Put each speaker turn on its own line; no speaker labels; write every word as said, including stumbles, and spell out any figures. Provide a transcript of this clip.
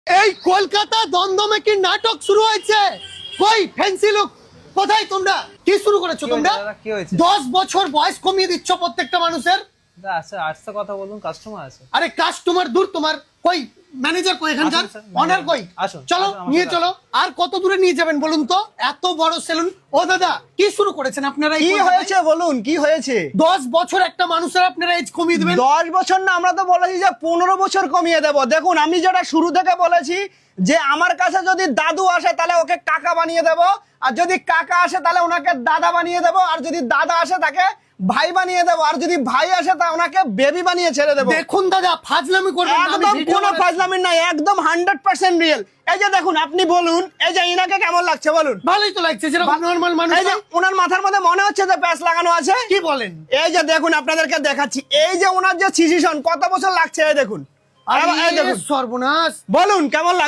এই কলকাতা দমদমে কি নাটক শুরু হয়েছে? কই ফ্যান্সি লুক কোথায়? তোমরা কি শুরু করেছো? তোমরা
কি হয়েছে?
দশ বছর বয়স কমিয়ে দিচ্ছ প্রত্যেকটা মানুষের।
আচ্ছা আচ্ছা কথা বলুন, কাস্টমার আছে।
আরে কাস্টমার দূর, তোমার কই ম্যানেজার কই এখানকার?
আসুন স্যার,
অনার কই?
আসুন,
চলো
আসুন, আমার
নিয়ে
সাথে
চলো। আর কত দূরে নিয়ে যাবেন বলুন তো? এত বড় সেলুন। ও দাদা কি শুরু করেছেন আপনারা?
কি হয়েছে বলুন, কি হয়েছে?
দশ বছর একটা মানুষের আপনারা এজ কমিয়ে দিবেন?
দশ বছর না, আমরা তো বলেছি যে পনেরো বছর কমিয়ে দেব। দেখুন, আমি যেটা শুরু থেকে বলেছি যে আমার কাছে যদি দাদু আসে তাহলে ওকে কাকা বানিয়ে দেব, আর যদি কাকা আসে তাহলে ওনাকে দাদা বানিয়ে দেব, আর যদি দাদা আসে তাকে ভাই বানিয়ে দেব, আর যদি ভাই আসে তা ওনাকে বেবি বানিয়ে ছেড়ে দেব।
দেখুন দাদা ফাজলামি করবেন না, আমি
একদম
ভিডিও
কোনো
বানাচ্ছি।
ফাজলামি নাই, একদম হান্ড্রেড পার্সেন্ট রিয়েল। এই যে দেখুন, আপনি বলুন এই যে ইনাকে কেমন লাগছে বলুন?
ভালোই তো লাগছে, যেরকম নরমাল মানুষ।
এই যে ওনার মাথার মধ্যে মনে হচ্ছে যে প্যাচ লাগানো আছে।
কি বলেন?
এই যে দেখুন, আপনাদেরকে দেখাচ্ছি, এই যে ওনার যে সিচুয়েশন, কত বছর লাগছে এই দেখুন।
আরে
এই দেখুন,
সর্বনাশ।
বলুন কেমন লাগছে?